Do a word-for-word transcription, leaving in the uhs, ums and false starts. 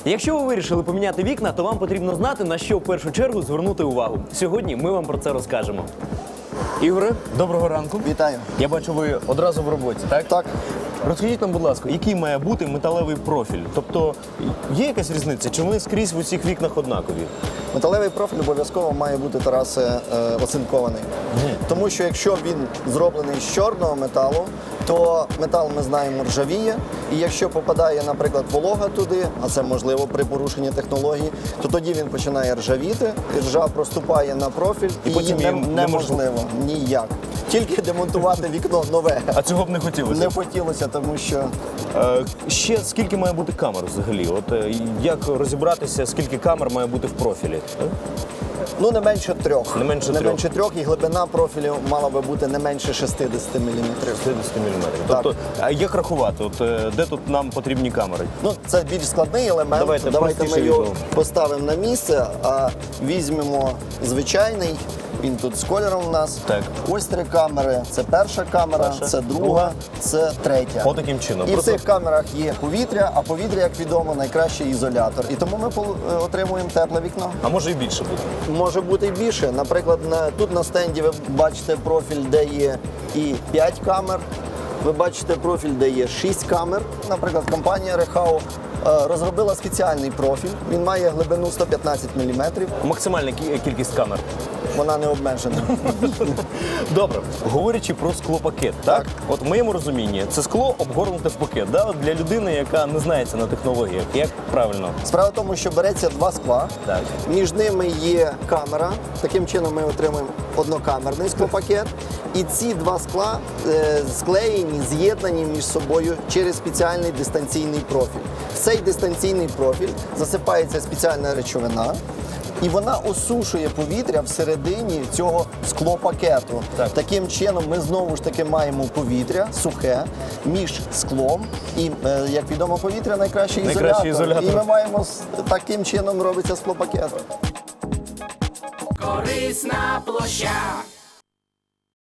Якщо ви вирішили поміняти вікна, то вам потрібно знати, на що в першу чергу звернути увагу. Сьогодні ми вам про це розкажемо. Ігоре, доброго ранку. Вітаю. Я бачу, ви одразу в роботі, так? Так. Розкажіть нам, будь ласка, який має бути металевий профіль? Тобто, є якась різниця? Чи вони скрізь в усіх вікнах однакові? Металевий профіль обов'язково має бути, Тарасе, е, оцинкований. Мгм. Тому що якщо він зроблений з чорного металу, то метал, ми знаємо, ржавіє. І якщо попадає, наприклад, волога туди, а це можливо при порушенні технології, то тоді він починає ржавіти, і ржа проступає на профіль, і, І потім її її не- неможливо. неможливо ніяк. Тільки демонтувати вікно нове. А цього б не хотілося? Не хотілося, тому що Е, ще скільки має бути камер взагалі? От е, як розібратися, скільки камер має бути в профілі? ну, не менше трьох. Не менше не трьох. менше трьох, і глибина профілю мала би бути не менше шістдесят міліметрів. шістдесят міліметрів. Так. Тобто, а як рахувати? От е, де тут нам потрібні камери? Ну, це більш складний елемент. Давайте Давайте ми простіше його відео. поставимо на місце, а візьмемо звичайний. Він тут з кольором у нас. Так. Ось три камери. Це перша камера, Перша, це друга, друга. це третя. Отаким чином. І в Просто- цих камерах є повітря, а повітря, як відомо, найкращий ізолятор. І тому ми пол- е, отримуємо тепле вікно. А може і більше буде? Може бути і більше. Наприклад, на, тут на стенді ви бачите профіль, де є і п'ять камер. Ви бачите профіль, де є шість камер. Наприклад, компанія Рехау е, розробила спеціальний профіль. Він має глибину сто п'ятнадцять міліметрів. Максимальна кі- кількість камер. Вона не обмежена. Добре, говорячи про склопакет, так? Так. От в моєму розумінні це скло обгорнуте в пакет. Да? От для людини, яка не знається на технологіях. Як правильно? Справа в тому, що береться два скла. Так. Між ними є камера. Таким чином ми отримуємо однокамерний склопакет. І ці два скла е, склеєні, з'єднані між собою через спеціальний дистанційний профіль. В цей дистанційний профіль засипається спеціальна речовина. І вона осушує повітря всередині цього склопакету. Так. Таким чином ми знову ж таки маємо повітря сухе між склом. І, е, як відомо, повітря найкращий, Найкращий ізолятор. І ми маємо з- таким чином робиться склопакет. Корисна площа.